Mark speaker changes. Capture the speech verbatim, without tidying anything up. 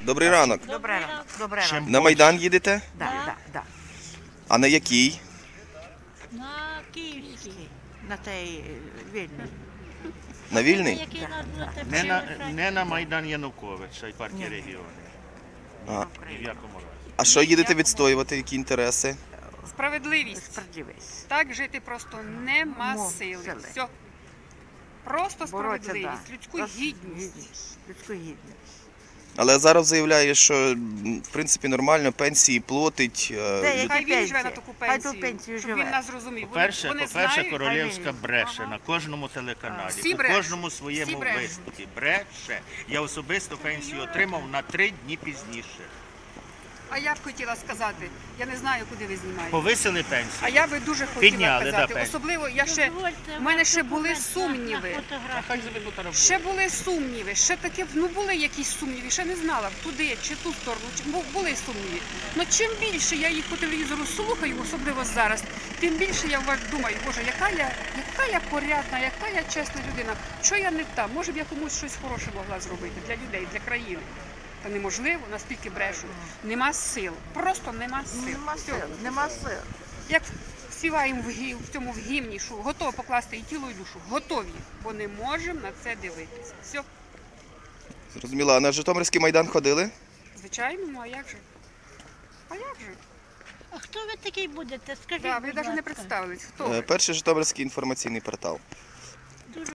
Speaker 1: Добрий ранок.
Speaker 2: Добре ранок. Добре ранок.
Speaker 1: На Майдан їдете?
Speaker 2: Да, да, да.
Speaker 1: А на який?
Speaker 3: На Київській.
Speaker 2: На той вільний.
Speaker 1: На Вільний?
Speaker 3: Який
Speaker 2: Да,
Speaker 3: нас
Speaker 2: да.
Speaker 3: буде
Speaker 4: Не на,
Speaker 3: тепер
Speaker 4: не на Майдан Януковича і партії
Speaker 2: Ні.
Speaker 4: регіонів.
Speaker 1: А,
Speaker 4: Ні в якому разі.
Speaker 1: а що їдете відстоювати, які інтереси?
Speaker 5: Справедливість.
Speaker 2: Справедливість.
Speaker 5: Так жити просто нема
Speaker 2: Мо-
Speaker 5: сили.
Speaker 2: сили.
Speaker 5: Все. Просто
Speaker 2: Боротися,
Speaker 5: справедливість,
Speaker 2: да.
Speaker 5: людську
Speaker 2: Просто
Speaker 5: гідність.
Speaker 2: Людську гідність.
Speaker 1: Але зараз заявляє, що м, в принципі нормально, пенсії платить. е,
Speaker 2: Де,
Speaker 1: люд-
Speaker 2: які
Speaker 5: Хай він живе на
Speaker 2: пенсії?
Speaker 5: таку
Speaker 2: Хай ту
Speaker 5: пенсію,
Speaker 2: пенсію
Speaker 5: щоб
Speaker 2: живе.
Speaker 5: він нас зрозумів. Вони,
Speaker 4: По-перше,
Speaker 5: вони
Speaker 4: по-перше,
Speaker 5: знають,
Speaker 4: Королівська
Speaker 2: Хай він-
Speaker 4: бреше
Speaker 5: Ага.
Speaker 4: на кожному телеканалі,
Speaker 5: Всі
Speaker 4: у
Speaker 5: брешуть.
Speaker 4: кожному
Speaker 5: Всі
Speaker 4: своєму
Speaker 5: брешуть.
Speaker 4: виступі. Бреше. Я особисто пенсію отримав на три дні пізніше.
Speaker 5: А я б хотіла сказати, я не знаю, куди ви знімаєте.
Speaker 4: Повисили
Speaker 5: А
Speaker 4: пенсію.
Speaker 5: я би дуже хотіла
Speaker 4: Підняли, да,
Speaker 5: казати.
Speaker 4: пенсію.
Speaker 5: Особливо я ще в мене ще були сумніви.
Speaker 4: Хай заведуть на роботу.
Speaker 5: Ще були сумніви, ще таке, ну були якісь сумніви, ще не знала, туди чи ту сторону, чи бу- були сумніви. Ну чим більше я їх по телевізору слухаю, особливо зараз, тим більше я вваж- думаю, боже, яка я, яка я порядна, яка я чесна людина, що я не та, може б я комусь щось хороше могла зробити для людей, для країни. Та неможливо, настільки брешуть. Нема сил, просто нема сил.
Speaker 2: Нема
Speaker 5: Все.
Speaker 2: сил, нема сил.
Speaker 5: Як співаємо в, гі- в цьому в гімні, що готові покласти і тіло, і душу, готові, бо не можемо на це дивитися. Все.
Speaker 1: Зрозуміло, а на Житомирський Майдан ходили?
Speaker 5: Звичайно, ну а як же? А як же?
Speaker 3: А хто ви такий будете? Скажіть,
Speaker 5: Да, ви
Speaker 3: будь
Speaker 5: навіть не
Speaker 3: ласка.
Speaker 5: представились, хто
Speaker 1: Е,
Speaker 5: ви?
Speaker 1: Перший Житомирський інформаційний портал.